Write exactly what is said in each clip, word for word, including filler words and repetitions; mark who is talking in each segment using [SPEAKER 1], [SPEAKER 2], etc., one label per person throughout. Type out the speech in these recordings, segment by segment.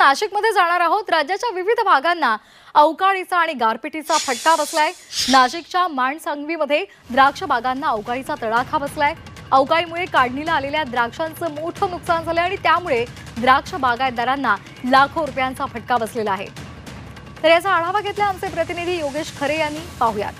[SPEAKER 1] नाशिकमध्ये जाणार आहोत। राज्याच्या विविध भागांना अवकाळीचा आणि गारपिटीचा फटका बसलाय। नाशिकच्या माणसांगवीमध्ये द्राक्ष बागांना अवकाळीचा तडाखा बसलाय। अवकाळीमुळे काढणीला आलेल्या द्राक्षांचं मोठं नुकसान झालंय आणि त्यामुळे द्राक्ष बागायतदारांना लाखो रुपयांचा फटका बसलेला आहे। तर याचा आढावा घेतला आमचे प्रतिनिधी योगेश खरे यांनी। पाहूयात।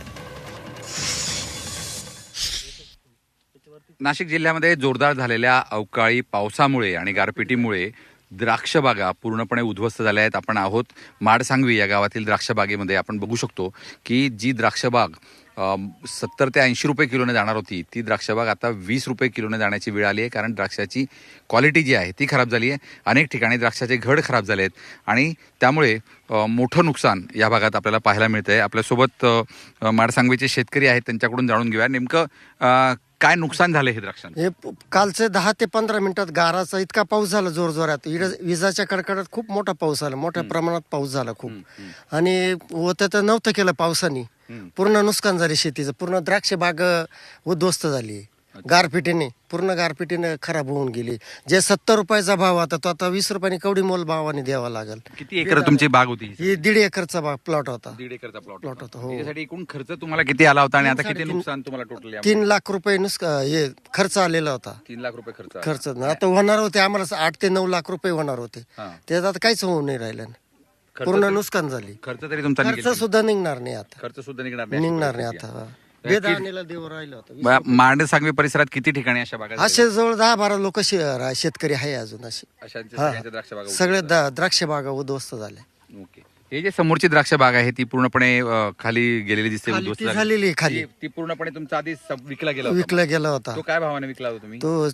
[SPEAKER 2] नाशिक जिल्ह्यामध्ये जोरदार झालेल्या अवकाळी पावसामुळे आणि गारपिटीमुळे द्राक्ष बागा पूर्णपणे उद्ध्वस्त झाल्या आहेत। आपण आहोत माडसांगवी या गावातील द्राक्ष बागेमध्ये। आपण बघू शकतो की जी द्राक्ष बाग सत्तर ते ऐंशी रुपये किलोने जाणार होती ती द्राक्ष बाग आता वीस रुपये किलोने जाण्याची वेळ आली आहे, कारण द्राक्षाची क्वालिटी जी आहे ती खराब झाली आहे। अनेक ठिकाणी द्राक्षाचे घड खराब झाले आहेत आणि त्यामुळे मोठं नुकसान या भागात आपल्याला पाहायला मिळतंय। आपल्यासोबत माडसांगवीचे शेतकरी आहेत, त्यांच्याकडून जाणून घेऊया नेमकं काय नुकसान झाले हे द्राक्षांचं।
[SPEAKER 3] हे कालचे दहा ते पंधरा मिनिटात गाराचा इतका पाऊस झाला जोर जोरात, विजाच्या कडकडात खूप मोठा पाऊस आला, मोठ्या प्रमाणात पाऊस झाला खूप। आणि होतं तर नव्हतं केलं पावसाने, पूर्ण नुकसान झाले शेतीचं। पूर्ण द्राक्ष बाग उद्ध्वस्त झाली गारपिटीने, पूर्ण गारपिटीने खराब होऊन गेली। जे सत्तर रुपयाचा भाव होता तो आता वीस रुपयाने कवडी मोल भावाने द्यावा लागेल।
[SPEAKER 2] किती एकर तुमची बाग होती?
[SPEAKER 3] ही दीड एकरचा बाग प्लॉट होता।
[SPEAKER 2] दीड एकरचा प्लॉट
[SPEAKER 3] प्लॉट होता हो।
[SPEAKER 2] त्यासाठी एकूण खर्च तुम्हाला किती आला होता आणि आता किती नुकसान तुम्हाला टोटल?
[SPEAKER 3] तीन लाख रुपये नुकसान हे खर्च आलेला होता।
[SPEAKER 2] तीन लाख रुपये खर्च
[SPEAKER 3] खर्च आता होणार होते आम्हाला आठ ते नऊ लाख रुपये होणार होते, त्यात आता काहीच होऊ नाही राहिलं, पूर्ण नुकसान झाली।
[SPEAKER 2] खर्च तरी तुमचा
[SPEAKER 3] खर्च सुद्धा निघणार नाही आता,
[SPEAKER 2] खर्च सुद्धा निघणार नाही
[SPEAKER 3] निघणार नाही आता। बेदाणेला देव राहिलं होतं।
[SPEAKER 2] माडसांगवी परिसरात किती ठिकाणी अशा बागा?
[SPEAKER 3] असे जवळ दहा बारा लोक शेतकरी आहे अजून असे,
[SPEAKER 2] द्राक्ष बागा
[SPEAKER 3] सगळे द्राक्ष बागा उद्ध्वस्त झाल्या।
[SPEAKER 2] ओके, हे जे समोरची द्राक्ष बाग आहे ती पूर्णपणे खाली गेलेली दिसते, उद्ध्वस्त
[SPEAKER 3] झालेली खाली।
[SPEAKER 2] ती पूर्णपणे तुमचा आधी विकला गेला
[SPEAKER 3] विकला गेला होता।
[SPEAKER 2] तो काय भावाने विकला होता तुम्ही?
[SPEAKER 3] तो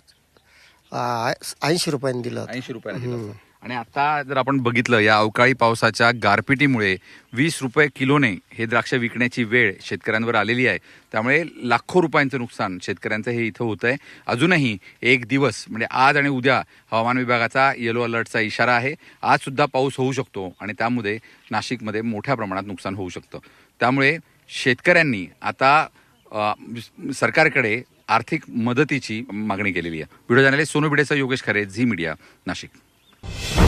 [SPEAKER 3] ऐंशी रुपयाने दिला होता।
[SPEAKER 2] ऐंशी रुपयाने दिला होता। आणि आता जर आपण बघितलं या अवकाळी पावसाच्या गारपिटीमुळे वीस रुपये किलोने हे द्राक्ष विकण्याची वेळ शेतकऱ्यांवर आलेली आहे। त्यामुळे लाखो रुपयांचं नुकसान शेतकऱ्यांचं हे इथं होत आहे। अजूनही एक दिवस म्हणजे आज आणि उद्या हवामान विभागाचा येलो अलर्टचा इशारा आहे। आज सुद्धा पाऊस होऊ शकतो आणि त्यामुळे नाशिकमध्ये मोठ्या प्रमाणात नुकसान होऊ शकतं। त्यामुळे शेतकऱ्यांनी आता सरकारकडे आर्थिक मदतीची मागणी केलेली आहे। व्हिडिओ जर्नलिस्ट सोनू भिडेसह योगेश खरे, झी मीडिया, नाशिक।